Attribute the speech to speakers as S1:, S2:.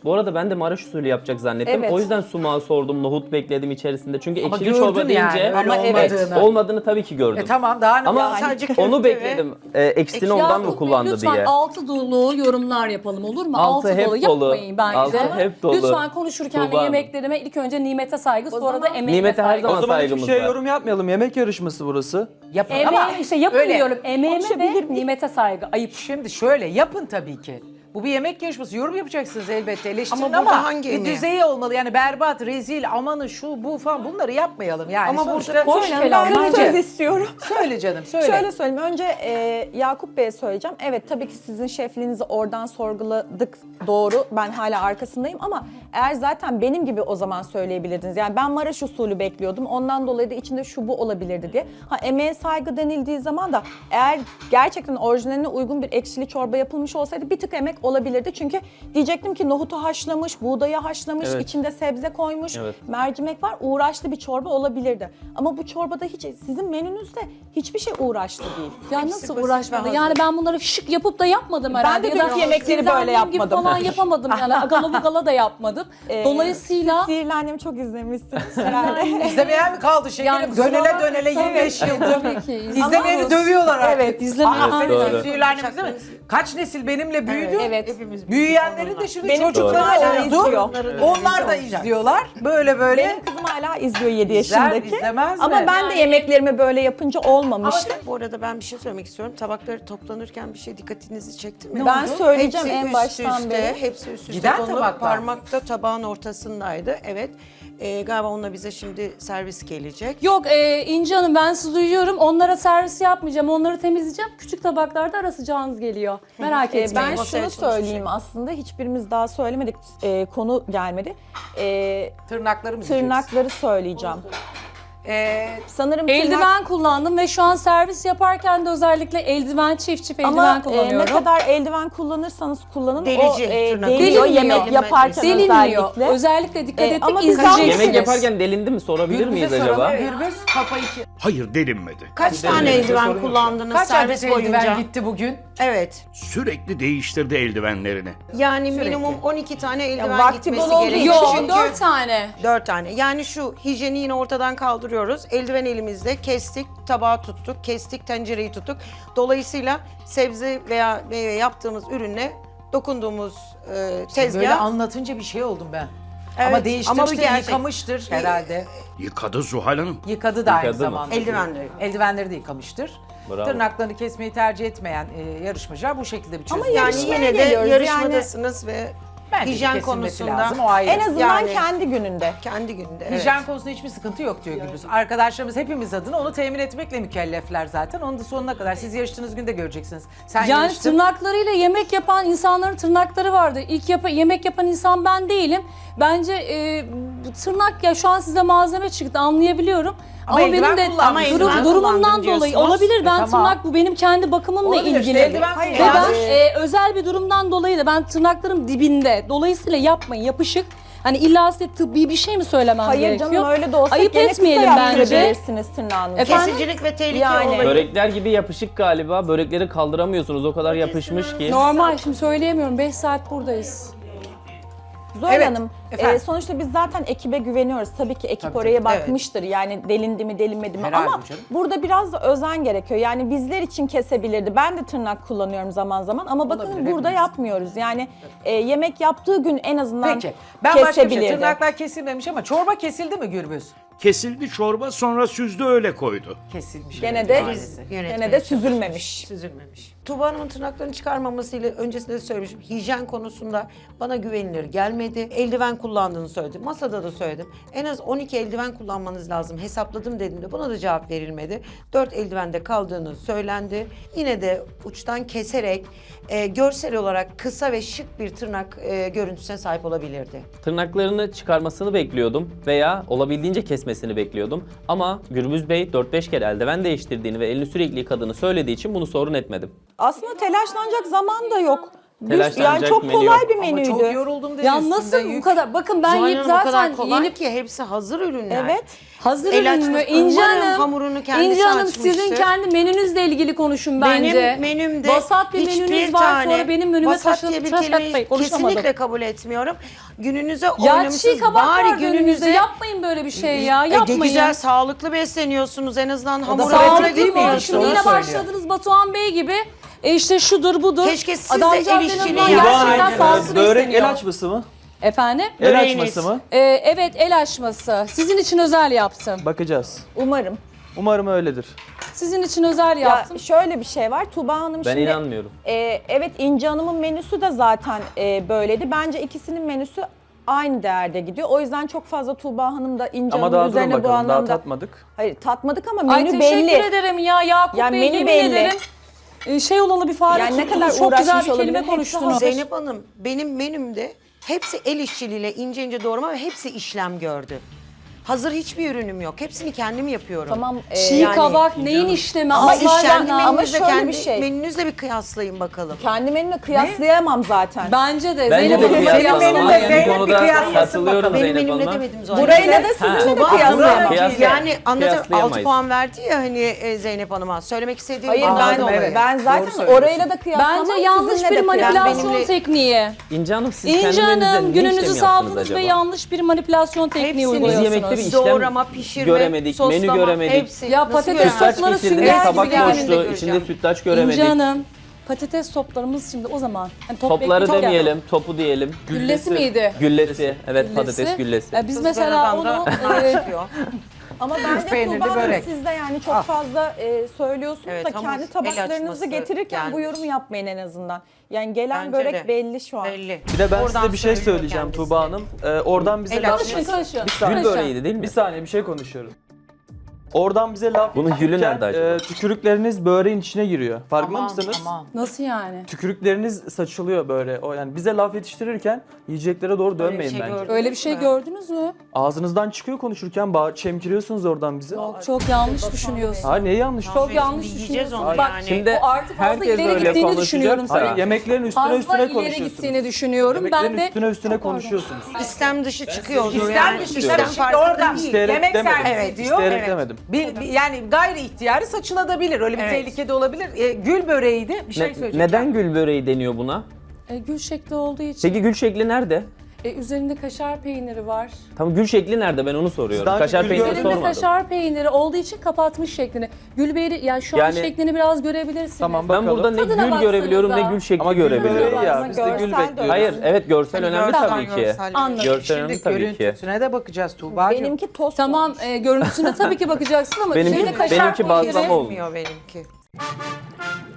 S1: Bu arada ben de Maraş usulü yapacak zannettim.
S2: Evet.
S1: O yüzden sumağı sordum, nohut bekledim içerisinde. Çünkü
S3: Ama
S1: ekşili
S3: gördün
S1: çorba
S3: yani,
S1: deyince
S3: öyle
S2: Ama evet,
S3: olmadığını.
S1: olmadığını tabii ki gördüm.
S3: Tamam daha ne
S1: Ama
S3: yani?
S4: sadece köfte
S1: onu
S4: ve-
S1: bekledim. Eksini ondan mı kullandı
S5: lütfen
S1: diye.
S5: altı dolu yorumlar yapalım olur mu?
S1: Altı hep dolu.
S5: Yapmayın bence.
S1: Altı hep dolu.
S5: Lütfen konuşurken de
S1: Tuğba.
S5: yemeklerime ilk önce nimete saygı, sonra da emeğime
S1: Nimete her
S5: saygı.
S1: zaman
S6: O zaman hiçbir
S1: saygımız
S6: şeye
S1: var.
S6: yorum yapmayalım. Yemek yarışması burası.
S3: Yapın
S5: Emeğime
S3: ama
S5: işte yapın
S3: öyle.
S5: diyorum. Emeğime
S2: Konuşabilir
S5: ve
S2: miyim?
S5: nimete saygı. Ayıp.
S3: Şimdi şöyle yapın tabii ki. Bu bir yemek yarışması. Yorum yapacaksınız elbette. Eleştirin
S4: Ama
S3: ama,
S4: burada hangi
S3: bir
S4: emeği?
S3: düzeyi olmalı. Yani berbat, rezil, amanı şu bu falan bunları yapmayalım. Yani
S4: Ama
S3: sonuçta
S4: burada-
S3: hoş
S2: Ben
S3: kelam.
S2: söz istiyorum.
S3: Söyle canım söyle.
S2: Şöyle söyleyeyim. Önce Yakup Bey'e söyleyeceğim. Evet tabii ki sizin şefliğinizi oradan sorguladık. Doğru. Ben hala arkasındayım ama eğer zaten benim gibi o zaman söyleyebilirdiniz. Yani ben Maraş usulü bekliyordum. Ondan dolayı da içinde şu bu olabilirdi diye. Ha emeğe saygı denildiği zaman da eğer gerçekten orijinaline uygun bir ekşili çorba yapılmış olsaydı bir tık emek olabilirdi. Çünkü diyecektim ki nohutu haşlamış, buğdayı haşlamış,
S1: Evet.
S2: içinde sebze koymuş,
S1: Evet.
S2: mercimek var. Uğraşlı bir çorba olabilirdi. Ama bu çorbada hiç sizin menünüzde hiçbir şey uğraşlı değil.
S5: Ya
S4: Hepsi
S5: nasıl
S4: basit ve
S5: uğraşmadı?
S4: hazır.
S5: Yani ben bunları şık yapıp da yapmadım herhalde.
S2: de
S5: Ya da
S2: dünkü yemekleri
S5: sizden
S2: böyle
S5: benim gibi
S2: yapmadım.
S5: falan yapamadım yani. Agala bugala da yapmadım. Dolayısıyla
S2: Sihirli Annemi çok izlemişsiniz herhalde.
S3: İzlemeye mi kaldı şekerim?
S5: Yani
S3: dönele
S5: kusura
S3: dönele 25 yıldır.
S5: tabii ki.
S3: İzlemeyeni dövüyorlar artık.
S2: Evet,
S5: izlemeye-
S3: Aa, senin
S1: Doğru.
S3: sihirli annemiz değil mi? Kaç nesil benimle büyüdü.
S2: Evet.
S4: Hepimiz
S3: Büyüyenlerin de şimdi
S2: Benim
S3: çocukları
S2: kızım hala
S3: oldu.
S2: izliyor.
S3: Onlar da izliyorlar. Böyle böyle.
S2: Benim kızım hala izliyor 7
S3: İzler,
S2: yaşındaki.
S3: izlemez mi?
S2: Ama ben de yemeklerimi böyle yapınca olmamıştı.
S4: Bu arada ben bir şey söylemek istiyorum. Tabakları toplanırken bir şey dikkatinizi çekti mi?
S2: Ben söyleyeceğim
S4: Hepsi
S2: en
S4: üst
S2: baştan
S4: üste,
S2: beri.
S4: Hepsi üst üste
S3: Giden
S4: konulup
S3: tabaklar.
S4: parmakta tabağın ortasındaydı. Evet. Galiba onunla bize şimdi servis gelecek.
S5: yok İnci Hanım ben sizi duyuyorum. Onlara servis yapmayacağım. Onları temizleyeceğim. Küçük tabaklarda ara sıcağınız geliyor. Merak etmeyin.
S2: Ben
S4: masaya
S2: şunu
S4: çalışacak.
S2: söyleyeyim aslında hiçbirimiz daha söylemedik, konu gelmedi.
S3: Tırnaklarımı
S2: Tırnakları söyleyeceğim. Sanırım
S5: Eldiven kullandım ve şu an servis yaparken de özellikle eldiven çift eldiven
S2: ama
S5: kullanıyorum.
S2: ne kadar eldiven kullanırsanız kullanın
S4: Delici
S2: o
S4: tırnak.
S2: deliyor
S5: Delinmiyor.
S2: yemek yaparken
S5: Delinmiyor.
S2: özellikle.
S5: Özellikle dikkat ettik
S2: ama biz
S5: izleyeceksiniz.
S1: Yemek yaparken delindi mi sorabilir miyiz acaba?
S3: Gürbüz kafayı
S7: Hayır delinmedi.
S4: Kaç tane eldiven kullandınız
S3: Kaç
S4: servis
S3: adet
S4: boyunca?
S3: eldiven gitti bugün?
S4: Evet.
S7: Sürekli değiştirdi eldivenlerini.
S4: Yani minimum 12 tane eldiven
S2: vakti
S4: gitmesi
S2: bol olduğu
S4: gerekiyor.
S5: Yok
S4: Çünkü
S5: 4 tane.
S4: 4 tane. Yani şu hijyeni yine ortadan kaldırıyoruz. Eldiven elimizde kestik, tabağı tuttuk, kestik, tencereyi tuttuk. Dolayısıyla sebze veya meyve yaptığımız ürünle dokunduğumuz tezgah.
S3: Böyle anlatınca bir şey oldum ben.
S4: Evet,
S3: Ama
S4: ama
S3: değiştirmiştir,
S4: bu gerçek.
S3: yıkamıştır herhalde.
S7: Yıkadı Zuhal Hanım.
S3: Yıkadı da aynı
S1: Yıkadı mı?
S3: zamanda.
S4: Eldivenleri.
S3: Eldivenleri de yıkamıştır.
S1: Bravo.
S3: Tırnaklarını kesmeyi tercih etmeyen yarışmacılar bu şekilde bir çözüm.
S2: Ama
S4: Yani
S2: yarışmaya
S4: yine de
S2: geliyoruz.
S4: yarışmadasınız ve
S3: Bence de
S4: hijyen
S3: kesilmesi
S4: konusunda
S3: lazım, o ayrı.
S2: En azından
S4: Yani-
S2: kendi gününde.
S4: kendi günde. Evet.
S3: Hijyen konusunda hiçbir sıkıntı yok diyor Gürbüz. Arkadaşlarımız hepimiz adına onu temin etmekle mükellefler zaten. Onu da sonuna kadar siz yarıştığınız günde göreceksiniz. Sen
S5: Yani
S3: yarıştın.
S5: tırnaklarıyla yemek yapan insanların tırnakları vardı. İlk yemek yapan insan ben değilim. Bence bu tırnak ya şu an size malzeme çıktı anlayabiliyorum.
S3: Ama
S5: Ama
S3: eldiven
S5: benim de
S3: kullanmış. Ama
S4: eldiven
S5: durumumdan
S4: kullandın
S5: dolayı
S4: diyorsunuz.
S5: olabilir. Ben
S3: tamam.
S5: tırnak bu benim kendi bakımımla
S3: Olabilir, işte
S5: ilgili.
S3: eldiven
S5: Ve
S3: kullanmış.
S5: ben özel bir durumdan dolayı da ben tırnaklarım dibinde. Dolayısıyla yapmayın yapışık. Hani illa size tıbbi bir şey mi söylemem
S2: Hayır
S5: gerekiyor?
S2: canım öyle de olsa
S5: Ayıp
S2: gene
S5: etmeyelim
S2: kısa
S5: bence.
S2: yaptırabilirsiniz tırnağınızı.
S5: Efendim?
S4: Kesicilik ve tehlike
S2: Yani.
S4: olayı.
S1: Börekler gibi yapışık galiba. Börekleri kaldıramıyorsunuz. O kadar yapışmış ki.
S5: Normal şimdi söyleyemiyorum. 5 saat buradayız.
S2: Zuhal
S3: Evet,
S2: Hanım,
S3: efendim.
S2: sonuçta biz zaten ekibe güveniyoruz. Tabii ki ekip
S3: Tabii,
S2: oraya
S3: tabii,
S2: bakmıştır. Yani delindi mi, delinmedi mi?
S3: Herhalde
S2: Ama
S3: canım.
S2: burada biraz da özen gerekiyor. Yani bizler için kesebilirdi. Ben de tırnak kullanıyorum zaman zaman ama bakın
S3: Olabilir,
S2: burada
S3: hepimiz.
S2: yapmıyoruz. Yani yemek yaptığı gün en azından
S3: Peki. Ben başka bir şey.
S2: kesebilirdi.
S3: Tırnaklar kesilmemiş ama çorba kesildi mi Gürbüz?
S7: Kesildi çorba sonra süzdü öyle koydu.
S3: Kesilmiş.
S2: Gene de
S3: Maalesef.
S2: gene de süzülmemiş.
S4: Süzülmemiş. Tuğba Hanım'ın tırnaklarını çıkarmamasıyla öncesinde de söylemişim. Hijyen konusunda bana güvenilir gelmedi. Eldiven kullandığını söyledim. Masada da söyledim. En az 12 eldiven kullanmanız lazım. Hesapladım dediğimde buna da cevap verilmedi. 4 eldivende kaldığını söylendi. Yine de uçtan keserek görsel olarak kısa ve şık bir tırnak görüntüsüne sahip olabilirdi.
S1: Tırnaklarını çıkarmasını bekliyordum veya olabildiğince kesmesini bekliyordum. Ama Gürbüz Bey 4-5 kere eldiven değiştirdiğini ve elini sürekli yıkadığını söylediği için bunu sorun etmedim.
S2: Aslında telaşlanacak zaman da yok.
S1: Telaşlanacak
S2: çok
S1: menü
S2: kolay
S1: yok.
S2: bir
S3: Ama
S2: menüydü.
S3: çok yoruldum dedi.
S5: Ya
S3: üstünde
S5: nasıl bu
S3: yük.
S5: kadar? Bakın ben
S4: Zuhal
S5: yiyip
S4: Hanım o kadar
S5: zaten
S4: kolay
S5: yenip
S4: ki hepsi hazır ürünler.
S2: Evet.
S5: hazır
S4: El
S5: ürün mü?
S4: açması-
S5: İnce
S4: Umarım
S5: Hanım,
S4: hamurunu kendisi
S5: İnce Hanım sizin
S4: açmıştır.
S5: kendi menünüzle ilgili konuşun bence.
S4: Benim menümde
S5: Vasat bir
S4: hiçbir
S5: menünüz var,
S4: tane
S5: sonra benim menüme
S4: vasat diye bir kelimeyi
S5: konuşamadım.
S4: kesinlikle kabul etmiyorum. Gününüze
S5: Ya
S4: oynamışsınız.
S5: çiğ kabak var
S4: Bari
S5: gününüzde.
S4: gününüze
S5: Yapmayın böyle bir şey ya. Yapmayın.
S4: güzel sağlıklı besleniyorsunuz en azından hamur
S5: Sağlıklı
S4: etine
S5: değil mi?
S4: gitmeyin.
S5: Şimdi
S3: onu
S5: yine
S3: söylüyor.
S5: başladınız Batuhan Bey gibi. İşte şudur budur.
S4: Keşke siz de
S5: Adamcağız
S4: el
S5: en
S4: işçiliği
S5: azından
S4: yapsaydınız.
S5: gerçekten sağlıklı
S6: Börek
S5: besleniyor.
S6: el açması mı?
S5: Efendim?
S6: El
S4: Böreğiniz.
S6: açması mı?
S5: Evet, el açması. Sizin için özel yaptım.
S6: Bakacağız.
S2: Umarım.
S6: Umarım öyledir.
S5: Sizin için özel
S2: Ya
S5: yaptım.
S2: şöyle bir şey var. Tuğba Hanım
S1: Ben
S2: şimdi...
S1: inanmıyorum.
S2: Evet, İnci Hanım'ın menüsü de zaten böyleydi. Bence ikisinin menüsü aynı değerde gidiyor. O yüzden çok fazla Tuğba Hanım da İnci
S6: Ama
S2: Hanım'ın
S6: daha durun
S2: üzerine bu
S6: bakalım. Daha
S2: anlamda...
S6: tatmadık.
S2: Hayır, tatmadık ama
S5: Ay
S2: menü
S5: teşekkür
S2: belli.
S5: ederim ya Yakup
S2: Ya
S5: Bey,
S2: menü
S5: yemin
S2: belli.
S5: ederim. Şey olalı bir fare
S2: Yani ne
S5: tuttunuz,
S2: kadar
S5: çok güzel
S2: uğraşmış
S5: bir kelime
S2: olabilir, hepsi
S5: konuştunuz.
S2: hazır.
S4: Zeynep Hanım benim menümde hepsi el işçiliğiyle ince ince doğrama ve hepsi işlem gördü. Hazır hiçbir ürünüm yok. Hepsini kendim yapıyorum.
S2: Tamam.
S5: Çiğ
S4: Yani-
S5: kabak neyin işlemi?
S4: Ama
S5: Allah
S4: kendi
S5: aşkına.
S2: Ama
S4: menünüzle
S2: şöyle
S4: kendi
S2: bir şey.
S4: menünüzle bir kıyaslayın bakalım.
S2: Kendi menümle kıyaslayamam zaten.
S5: Bence de.
S1: Bence
S5: Zeynep
S1: de
S5: Hanım'la
S1: kıyaslamam.
S3: menünle
S1: Yani
S3: Zeynep
S1: bu
S3: bir
S1: konuda
S3: kıyaslasın
S1: katılıyorum
S3: bakalım.
S4: Benim
S1: Zeynep
S4: menümle
S1: Hanım'a.
S4: demedim zaten.
S2: Burayla da sizinle de
S4: Tuğba
S2: kıyaslayamam.
S1: Kıyaslayamam.
S4: Yani anlatır 6
S1: Kıyaslayamayız.
S4: puan verdi ya hani Zeynep Hanım'a. Söylemek istediğim
S2: Hayır
S4: bundan
S2: ben,
S4: dolayı.
S2: ben
S3: Doğru
S2: zaten
S3: söylüyorsun.
S2: orayla da kıyaslamam.
S5: Bence yanlış
S2: sizinle
S5: bir
S2: de
S5: manipülasyon
S4: benimle-
S5: tekniği.
S1: İnce Hanım siz
S5: İnce
S1: kendi menünüzde
S5: Hanım
S1: ne
S5: gününüzü
S1: işlem yaptınız
S5: saldınız
S1: acaba?
S5: ve yanlış bir manipülasyon tekniği
S4: Hepsini
S5: uyguluyorsunuz.
S1: Biz yemekte bir işlem
S4: Doğrama, pişirme,
S1: göremedik, menü
S4: soslama,
S1: göremedik.
S4: hepsi.
S5: Ya
S4: Nasıl
S5: patates
S4: göremezsin?
S1: Sütlaç
S5: Topları
S1: getirdiniz,
S5: sünger gibi
S1: tabak
S5: gelin de
S1: boştu,
S4: göreceğim.
S1: içinde sütlaç göremedik.
S5: İnce Hanım, patates toplarımız şimdi o zaman. Hani top
S1: Topları
S5: bekleyecek ya.
S1: demeyelim, topu diyelim.
S5: Güllesi miydi?
S1: Güllesi, evet
S5: Güllesi.
S1: patates güllesi.
S5: Biz
S4: Kız
S5: mesela
S4: Berada'dan da
S5: onu
S4: nar çıkıyor.
S2: Ama bence
S3: peynirli
S2: Tuğba Hanım
S3: börek.
S2: siz de yani çok
S3: Ah.
S2: fazla söylüyorsunuz
S4: Evet,
S2: da
S4: hamur,
S2: kendi
S4: el
S2: tabaklarınızı
S4: açması
S2: getirirken bu
S4: gelmiş.
S2: yorumu yapmayın en azından. Yani gelen
S4: Bence
S2: börek
S4: de.
S2: belli şu an.
S4: Belli.
S6: Bir de ben
S4: Oradan
S6: size bir şey
S4: söylüyor
S6: söyleyeceğim
S4: kendisi.
S6: Tuğba Hanım. Oradan bize
S4: El
S6: laf...
S4: açması.
S5: Karışın.
S6: Bir saniye.
S1: Gül böreğiydi değil mi?
S6: Bir saniye bir şey konuşuyorum. Oradan bize laf
S1: Bunun gülü
S6: yetişirken,
S1: nerede acaba?
S6: tükürükleriniz böreğin içine giriyor. Farkında mısınız?
S3: Tamam.
S5: Nasıl yani?
S6: Tükürükleriniz saçılıyor böyle. O yani bize laf yetiştirirken yiyeceklere doğru dönmeyin
S4: şey
S6: bence.
S4: gördüm.
S5: Öyle bir şey gördünüz mü?
S6: Ağzınızdan çıkıyor konuşurken çemkiriyorsunuz oradan bizi.
S5: Çok yanlış düşünüyorsun.
S6: Ha neyi yanlış?
S5: Çok yanlış
S4: Yiyeceğiz
S5: düşünüyorsun.
S4: onu
S5: Bak
S4: yani.
S1: Şimdi
S5: o artık fazla
S1: herkes
S5: ileri
S1: öyle
S5: gittiğini
S1: konuşacak.
S5: düşünüyorum
S1: Hayır,
S5: sana.
S6: Yemeklerin üstüne
S5: Fazla
S6: üstüne
S5: ileri
S6: konuşuyorsunuz.
S5: gittiğini düşünüyorum.
S6: Yemeklerin
S5: Ben de
S6: üstüne üstüne konuşuyorsunuz.
S4: İstem dışı çıkıyor.
S3: İstem dışı
S4: İstem
S3: tabii şimdi
S4: farkında
S3: orada
S4: değil.
S6: İsteyerek
S3: yemek
S6: demedim.
S3: servisi
S4: Evet,
S3: diyor.
S6: İsteyerek
S3: Evet.
S6: demedim.
S3: Yani gayri ihtiyari saçılabilir. Öyle bir
S4: Evet.
S3: tehlike de olabilir. Gül böreğiydi. Bir şey söyleyeceğim.
S1: Neden gül böreği deniyor buna?
S5: gül şekli olduğu için
S1: Peki gül şekli nerede?
S5: üzerinde kaşar peyniri var.
S1: Tam gül şekli nerede ben onu soruyorum.
S6: Daha önce
S1: Kaşar
S6: gül
S1: peyniri
S6: gördünüz mü?
S5: Üzerinde
S1: sormadım.
S5: kaşar peyniri olduğu için kapatmış şeklini. Gülbeyri yani şu an
S1: Yani-
S5: şeklini biraz görebilirsiniz.
S6: Tamam
S1: Ben
S6: bakalım.
S1: burada ne
S5: Tadına
S1: gül görebiliyorum ne
S5: baksanıza.
S1: gül şekli
S6: Ama gül
S1: görebiliyorum.
S6: böreği ya
S2: Ama
S6: biz de gül
S2: görsel de
S6: bekliyoruz.
S1: Hayır, evet görsel önemli
S4: görsel,
S1: tabii ki.
S4: görsel.
S5: Anladım.
S1: Görsel önemli
S3: Şimdi
S1: tabii ki.
S3: görüntüsüne de bakacağız Tuğba'cığım.
S2: Benimki tost
S5: Tamam
S2: olmuş.
S5: Görüntüsüne tabii ki bakacaksın ama
S1: Benimki-
S5: üzerinde kaşar
S1: benimki
S5: peyniri.
S1: bazlama oldu.
S4: Benimki.